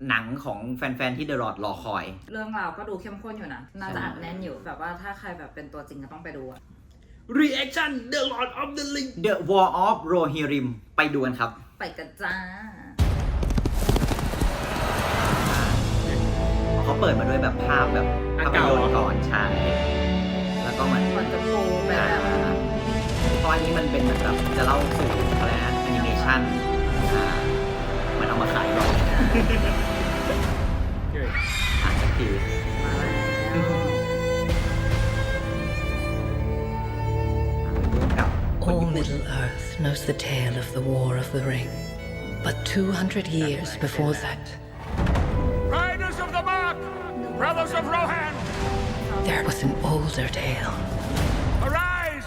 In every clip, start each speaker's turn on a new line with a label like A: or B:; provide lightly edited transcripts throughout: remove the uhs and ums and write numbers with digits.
A: หนังของแฟนๆที่ The Lord รอคอย
B: เรื่องราวก็ดูเข้มข้นอยู่นะน่าจะอัดแน่นอยู่แบบว่าถ้าใครแบบเป็นตัวจริงก็ต้องไปดูอะ
C: Reaction The Lord of the Ring
A: The War of Rohirrim ไปดูกันครับ
B: ไปกันจ้า
A: เขาเปิดมาด้วยแบบภาพแบบภาพยนตร์ก่อนใช่แล้วก็เหมือน
B: จะโผล่ไปแบบ
A: เพราะอันนี้มันเป็นเหมือนแบบจะเล่าสู่อะไรนะแอนิเมชันมันเอามาขายหรอกสักที
B: มาแล้ว
D: All Middle Earth knows the tale of the War of the Ring. But 200 years before that,
E: Riders of the Mark! Brothers of Rohan!
D: there was an older tale.
E: Arise!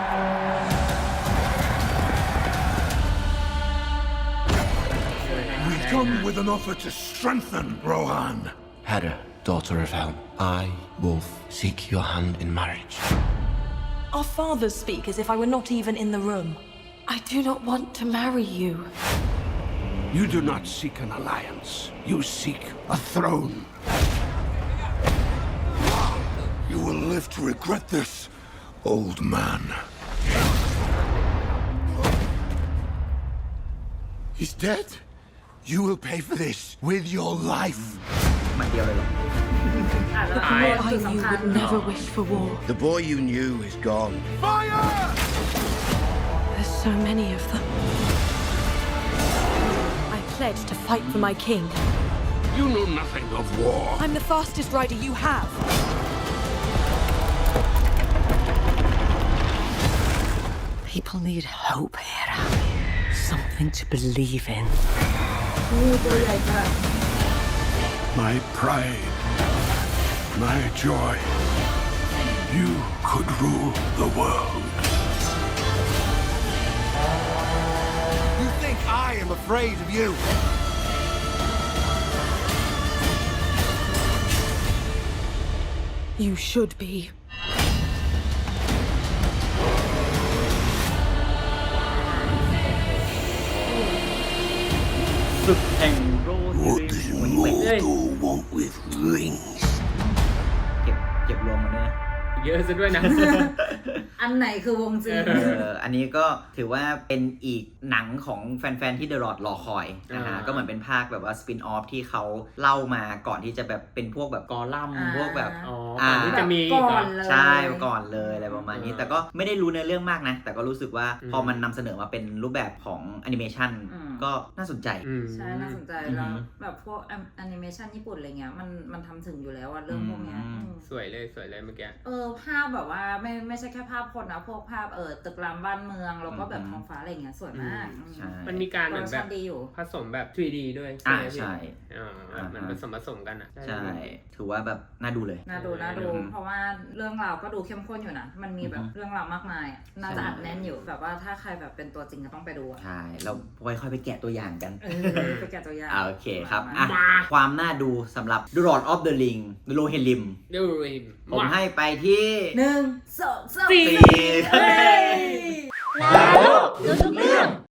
F: We come with an offer to strengthen Rohan.
G: Hera, daughter of Helm, I, Wolf, seek your hand in marriage.
H: Our fathers speak as if I were not even in the room. I do not want to marry you.
F: You do not seek an alliance. You seek a throne. You will live to regret this, old man. He's dead. You will pay for this with your life.
A: มันเดียวเลยหรอ
H: I knew you would never wish for war.
I: The boy you knew is gone.
F: Fire!
H: There's so many of them. I pledged to fight for my king.
F: You know nothing of war.
H: I'm the fastest rider you have.
D: People need hope, Hera. Something to believe in.
F: My pride. My joy. You could rule the world. You think I am afraid of you?
H: You should be.
A: ศึกแห่งโรฮิริม
F: Mortal want with rings?
A: เก็บรวมมันด้วยนะ
C: เยอะซะด้วยนะ
B: อันไหนคือวงจริง
A: อันนี้ก็ถือว่าเป็นอีกหนังของแฟนๆที่ The Lord รอคอยนะฮะก็เหมือนเป็นภาคแบบว่าสปินออฟที่เขาเล่ามาก่อนที่จะแบบเป็นพวกแบบกอลัมน์พวกแบบ
C: ก่อนที่จะมี
B: ก่อนเลย
A: ใช่ก่อนเลยอะไรประมาณนี้แต่ก็ไม่ได้รู้ในเรื่องมากนะแต่ก็รู้สึกว่าพอมันนำเสนอมาเป็นรูปแบบของแอนิเมชันก็น่าสนใจ
B: ใช่น่าสนใจแล้วแบบพวกแอนิเมชันญี่ปุ่นอะไรเงี้ยมันทำถึงอยู่แล้วอะเรื่องพวกเนี้ย
C: สวยเลยเมื่อกี้
B: ภาพแบบว่าไม่ใช่แค่ภาพคนนะพวกภาพตึกรามบ้านเมืองแล้วก็แบบท้องฟ้าอะไรเงี้ยสวยมาก
C: มันมีการเหมือนแบบ
B: ดีอยู่
C: ผสมแบบ 3D ด้วย
A: ใช่
C: มันผสมกันอ่ะ
A: ใช่ถือว่าแบบน่าดูเลย
B: น่าดูเพราะว่าเรื่องราวก็ดูเข้มข้นอยู่นะมันมีแบบเรื่องราวมากมายน่าจะอัดแน่นอยู่แบบว่าถ้าใครแบบเป็นตัวจริงก็ต้องไปดู
A: ใช่เราค่อยๆไปแกะตัวอย่างกัน
B: ไปแกะตัวอย่าง
A: โอเคครับความน่าดูสำหรับ The Lord of the Ring Rohirrim ผมให้ไปที่
B: 1 2 3
A: 4